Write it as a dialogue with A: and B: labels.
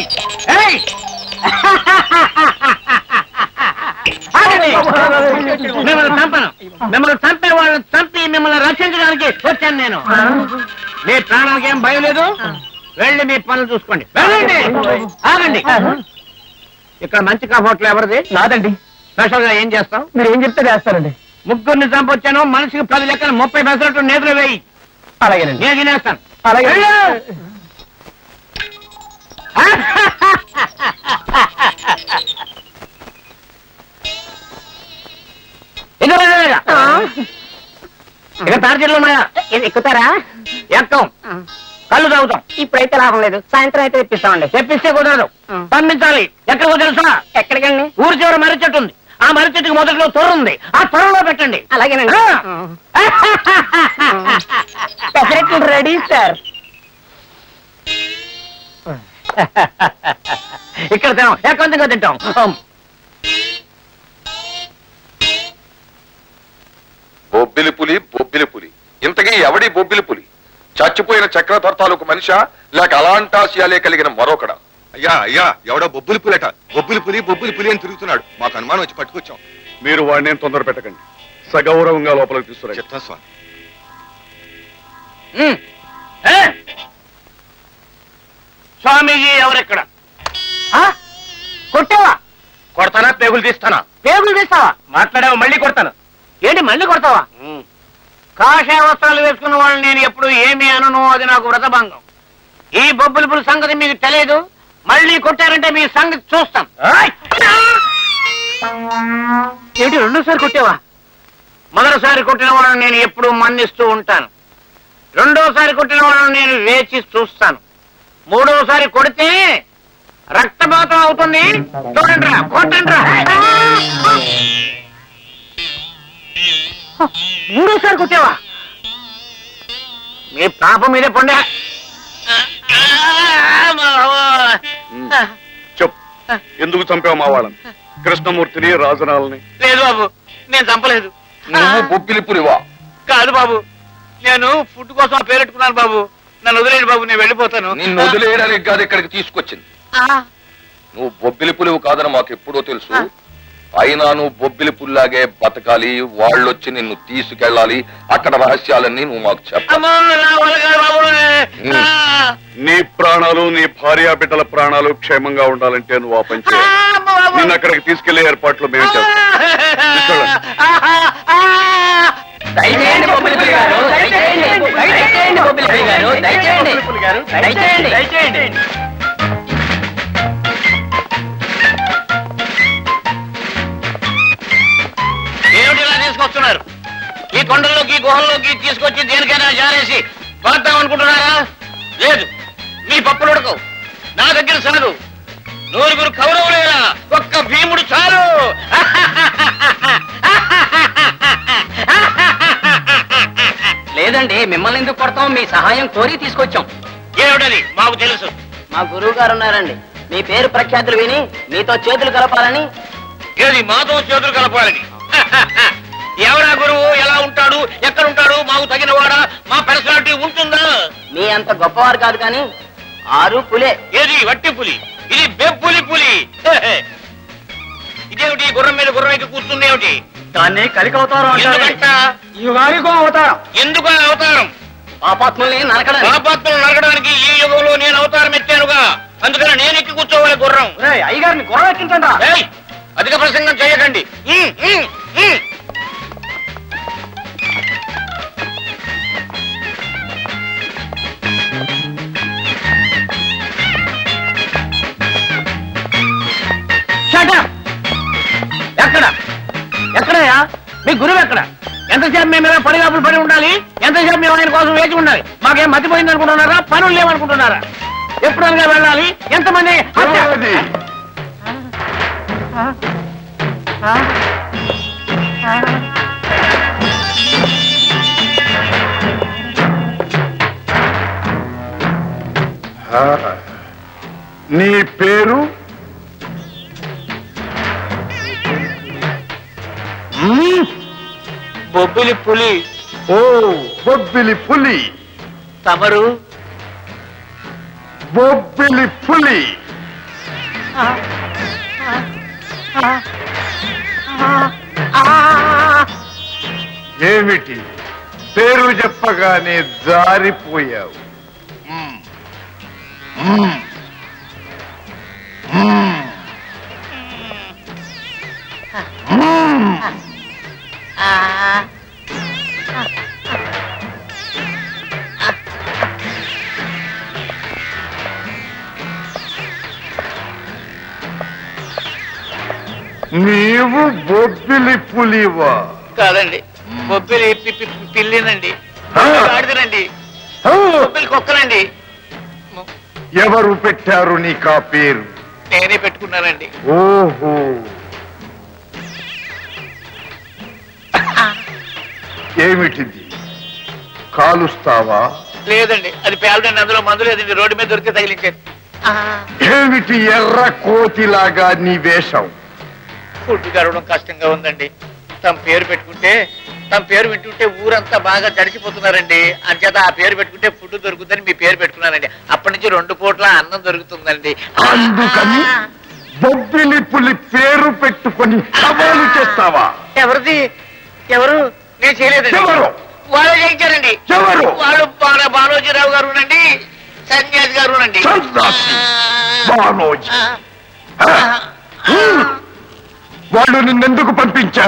A: మిమ్మల్ని చంపను. మిమ్మల్ని చంపే వాళ్ళని చంపి మిమ్మల్ని రక్షించడానికి వచ్చాను నేను. మీ ప్రాణానికి ఏం భయం లేదు. వెళ్ళి మీ పనులు చూసుకోండి. వెళ్ళండి. ఆగండి. ఇక్కడ మంచి హోటల్ ఎవరిది?
B: నాదండి.
A: స్పెషల్ గా ఏం చేస్తాం?
B: మీరు ఏం చెప్తే చేస్తారండి.
A: ముగ్గురిని చంపొచ్చాను. మనిషికి 10 లెక్కలు 30 పెసరట్టు నేతలు వేయి.
B: అలాగేనండి.
A: నేను తినేస్తాను.
B: అలాగే.
A: ఇక తార్జీలు ఉన్నాయా?
B: ఎక్కుతారా?
A: ఎక్కం. కళ్ళు తాగుతాం.
B: ఇప్పుడైతే లాభం లేదు. సాయంత్రం అయితే తెప్పిస్తామండి.
A: తెప్పిస్తే కుదరదు. పంపించాలి. ఎక్కడికో తెలుసా?
B: ఎక్కడికండి?
A: ఊరి చివర మర్రి చెట్టు ఉంది. ఆ మర్రి చెట్టుకి మొదట్లో తొర్ర ఉంది. ఆ తొర్రలో పెట్టండి.
B: అలాగేనండి. పెసరెట్లు రెడీ సార్.
A: ఇక్కడ తినాం. ఎక్కడ తింటాం.
C: బొబ్బిలి పులి ఇంతకీ ఎవడి బొబ్బిలి పులి? చచ్చిపోయిన చక్రధర్తాలకు మనిషా లేక అలాంటాశయాలే కలిగిన మరొకడా?
D: అయ్యా అయ్యా, ఎవడో బొబ్బులి పులట. బొబ్బులి పులి అని తిరుగుతున్నాడు. మాకు అనుమానం వచ్చి పట్టుకొచ్చాం.
E: మీరు వాడిని తొందర పెట్టకండి. సగౌరవంగా లోపలికి తీసుకురా.
D: చెప్తా స్వామి.
A: స్వామీజీ ఎవరెక్కడ?
B: కొట్టావా?
A: కొడతానా? పేగులు తీస్తానా?
B: పేగులు తీస్తావా?
A: మాట్లాడావా? మళ్ళీ కొడతాను.
B: ఏంటి మళ్ళీ కొడతావా?
A: కాషాయ వస్త్రాలు వేసుకున్న వాళ్ళని నేను ఎప్పుడు ఏమీ అనను. అది నాకు వ్రతభంగం. ఈ బొబ్బుల సంగతి మీకు తెలియదు. మళ్ళీ కొట్టారంటే మీ సంగతి చూస్తాం.
B: ఏంటి రెండోసారి కొట్టావా?
A: మొదటిసారి కొట్టిన వాళ్ళని నేను ఎప్పుడు మన్నిస్తూ ఉంటాను. రెండోసారి కొట్టిన వాళ్ళని నేను వేచి చూస్తాను. మూడోసారి కొడితే రక్తపాతం అవుతుంది. చూడండిరా, కొట్టండిరా.
B: మూడోసారి కొట్టావా?
A: మీ పాపం మీదే పండే.
E: చెప్పు, ఎందుకు చంపావు మా వాళ్ళని? కృష్ణమూర్తిని, రాజనాలని?
A: లేదు బాబు, నేను చంపలేదు.
C: నువ్వు బొబ్బిలి పులివా?
A: కాదు బాబు, నేను ఫుడ్ కోసం పేరెట్టుకున్నాను బాబు. నన్ను వదిలేడు బాబు, నేను వెళ్ళిపోతాను.
C: నిన్ను వదిలేయడానికి కాదు ఇక్కడికి తీసుకొచ్చింది. నువ్వు బొబ్బిలి పులివు కాదని మాకు ఎప్పుడో తెలుసు. అయినా నువ్వు బొబ్బిలి పుల్లాగే బతకాలి. వాళ్ళొచ్చి నిన్ను తీసుకెళ్ళాలి. అక్కడ రహస్యాలన్నీ నువ్వు మాకు చెప్పాలి.
E: నీ ప్రాణాలు, నీ భార్యా బిడ్డల ప్రాణాలు క్షేమంగా ఉండాలంటే నువ్వు ఆ పని చేయాలి. నిన్ను అక్కడికి తీసుకెళ్లే ఏర్పాట్లు మేము చేస్తాం.
B: దయచేయండి బొబ్బిలి పులి గారు, దయచేయండి బొబ్బిలి పులి గారు, దయచేయండి.
A: ఏమిటి ఇలా తీసుకొస్తున్నారు? ఈ కొండల్లోకి, గుహల్లోకి తీసుకొచ్చి దేనికైనా జారేసి పాద్దాం అనుకుంటున్నారా? లేదు, మీ పప్పులు ఉడకవు. నా దగ్గర సాగు. 9 కౌరవులేరా, ఒక్క భీముడు చాలు.
B: లేదండి, మిమ్మల్ని ఎందుకు కొడతాం? మీ సహాయం కోరి తీసుకొచ్చాం.
A: ఏమిటది? మాకు తెలుసు.
B: మా గురువు గారు ఉన్నారండి. మీ పేరు ప్రఖ్యాతులు విని మీతో చేతులు కలపాలని.
A: ఏది మాతో చేతులు కలపాలని? ఎవరా గురువు? ఎలా ఉంటాడు? ఎక్కడ ఉంటాడు? మాకు తగిన వాడా? మా పర్సనాలిటీ ఉంటుందా?
B: మీ అంత గొప్పవారు కాదు కానీ 6 పులే.
A: ఏది వట్టి పులి? ఇది బెబ్బులి పులి. ఇదేమిటి? గుర్రం మీద గుర్రం ఎక్కి కూర్చుంది ఏమిటి?
B: దాన్ని కలికవతారం
A: ఎందుకంట?
B: అవతారం.
A: ఎందుకు ఆ అవతారం?
B: పాపాత్ముల్ని నరకడం.
A: పాపాత్మలు నరకడానికి ఈ యుగంలో నేను అవతారం ఎత్తానుగా. అందుకని నేను ఎక్కి కూర్చోవాలి గుర్రం.
B: అయ్యగారిని గుర్రం ఎక్కించండి.
A: ఏయ్, అధిక ప్రసంగం చేయకండి. ఎక్కడ ఎక్కడయ్యా మీ గురువు? ఎక్కడ? ఎంతసేపు మేము ఇలా పడిగాపులు పడి ఉండాలి? ఎంతసేపు మేము ఆయన కోసం వేచి ఉండాలి? మాకేం మతిపోయింది అనుకుంటున్నారా? పనులు లేవనుకుంటున్నారా? ఎప్పుడనగా వెళ్ళాలి? ఎంతమంది?
E: నీ పేరు?
A: బొబ్బిలి పులి.
E: ఓ, బొబ్బిలి పులి.
A: తమరు?
E: బొబ్బిలి పులి.
F: ఏమిటి పేరు చెప్పగానే జారిపోయావు? నీవు బొబ్బిలి పులివా?
A: కాదండి, బొబ్బిలి పిల్లినండి, ఆడిదనండి, బొబ్బిలి కుక్కనండి.
F: ఎవరు పెట్టారు నీకు ఆ పేరు?
A: నేనే పెట్టుకున్నానండి.
F: ఓహో, ఏమిటిది? కాలుస్తావా?
A: లేదండి, అది పేలదండి, అందులో మందు లేదండి, రోడ్డు మీద దొరికితే తగిలించాను.
F: ఏమిటి ఎర్ర కోతిలాగా నీ వేషం?
A: ఫుడ్ గడవడం కష్టంగా ఉందండి. తమ పేరు పెట్టుకుంటే, తమ పేరు వింటుంటే ఊరంతా బాగా తడిసిపోతున్నారండి. అంచేత ఆ పేరు పెట్టుకుంటే ఫుడ్ దొరుకుతుందని మీ పేరు పెట్టుకున్నానండి. అప్పటి నుంచి 2 పూట్ల అన్నం దొరుకుతుందండి.
F: అందుకని బొబ్బిలి పులి పేరు పెట్టుకొని సవాలు చేస్తావా?
A: ఎవరిది? ఎవరు? నేను చేయలేదండి.
F: ఎవరు?
A: వాళ్ళు చేయించారండి.
F: ఎవరు?
A: వాళ్ళు బాలోజీరావు గారునండి, సన్యాసి గారునండి.
F: సన్యాసి, బాలోజీ. వాళ్ళు నిన్నెందుకు పంపించారు?